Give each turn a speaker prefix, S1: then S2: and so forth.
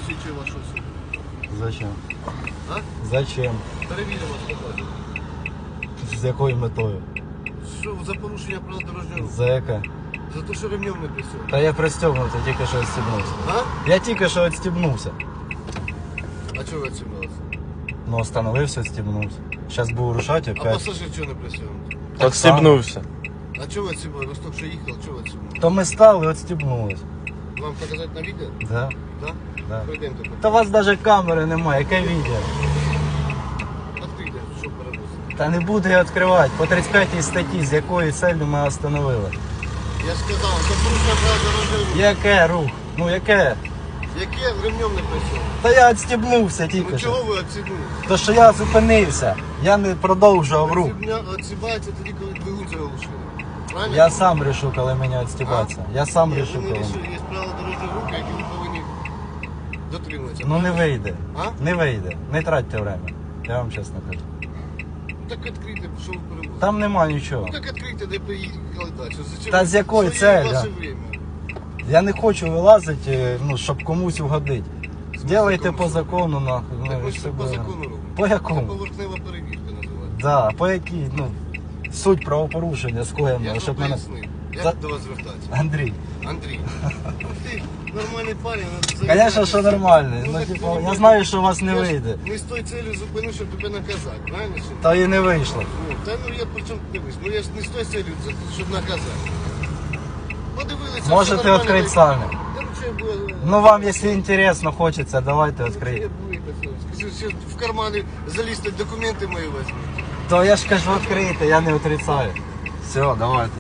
S1: посвідчує вашу особу.
S2: Зачем?
S1: А?
S2: Зачем?
S1: Перевіримо вас покажемо.
S2: З якою метою?
S1: Що за порушення правил дорожнього руху?
S2: За яке?
S1: За те, що ремнем не пристегнув.
S2: Та я пристегнутий, тільки що відстібнувся.
S1: А?
S2: Я тільки що відстібнувся.
S1: А чого ви відсібналися?
S2: Ну, остановився, відстібнувся. Зараз буду рушати
S1: А
S2: опять.
S1: пасажир чого не пристегнутий?
S2: Так само.
S3: Отстібнувся.
S1: А чого ви відсібали? Ви ж тільки що їхали, чого ви відсібали?
S2: То ми стали, відстібнулись.
S1: Вам показати на відео?
S2: Да,
S1: Так?
S2: да.
S1: Пройдемте.
S2: Та у вас навіть камери немає, яке відео?
S1: Відкрийте, що переносить.
S2: Та не буду я відкривати. По 35 статті, з якої целью ми остановили.
S1: Я сказав, за порушення правил дорожнього руху.
S2: Яке рух? Ну яке?
S1: Яке ремнем не пристегнув?
S2: Та я відстібнувся
S1: Ну
S2: тільки
S1: чого
S2: що.
S1: ви відсібнули?
S2: То що я зупинився, я не продовжував рух.
S1: Відсібається тоді, коли двигун заглушили. Правильно?
S2: Я сам решу, коли мені відстібатися. Я сам
S1: Ні,
S2: решу,
S1: ви не
S2: коли.
S1: рішили. Є правила дорожнього руху, які ви повинні дотримуватися.
S2: Ну не вийде.
S1: А?
S2: Не вийде. Не тратьте время. Я вам чесно кажу.
S1: Так відкрийте, що ви перевозите.
S2: Там нема нічого.
S1: Ну так відкрийте, де поїхали далі. Зачем
S2: Та
S1: ви
S2: з якою
S1: своє
S2: целью?
S1: ваше время?
S2: Я не хочу вилазити, ну, щоб комусь угодити. Делайте
S1: закону?
S2: по закону, нахуй.
S1: Так
S2: Ну,
S1: ми ж
S2: щоб-
S1: по закону робимо.
S2: По
S1: Це
S2: якому?
S1: поверхнева перевірка називається.
S2: Да, по якій, ну, суть правопорушення
S1: Я
S2: скоєно,
S1: ж
S2: щоб
S1: вам
S2: мене...
S1: пояснив.
S2: За-
S1: Як до вас звертатися?
S2: Андрій,
S1: Андрій. Ну ти нормальний парень.
S2: звісно, що нормальний. Ну,
S1: так
S2: типу,
S1: ти
S2: я знаю, що у вас не
S1: я ж
S2: вийде.
S1: Не з тою целью зупинив, щоб тебе наказати, правильно? Чи ні?
S2: Та і не вийшло.
S1: Ну, та ну я при чому дивись, ну я ж не з тою целью, щоб наказати. Подивилися,
S2: Можете
S1: все нормально,
S2: відкрити
S1: так-
S2: самі.
S1: Та ну, що я буду-
S2: Ну вам, якщо інтересно, хочеться, давайте
S1: Я
S2: відкрийте.
S1: буду це. Скажи, що в кармани залізти документи мої возьмуть.
S2: То я ж кажу, відкрийте, я не отрицаю. Все, давайте.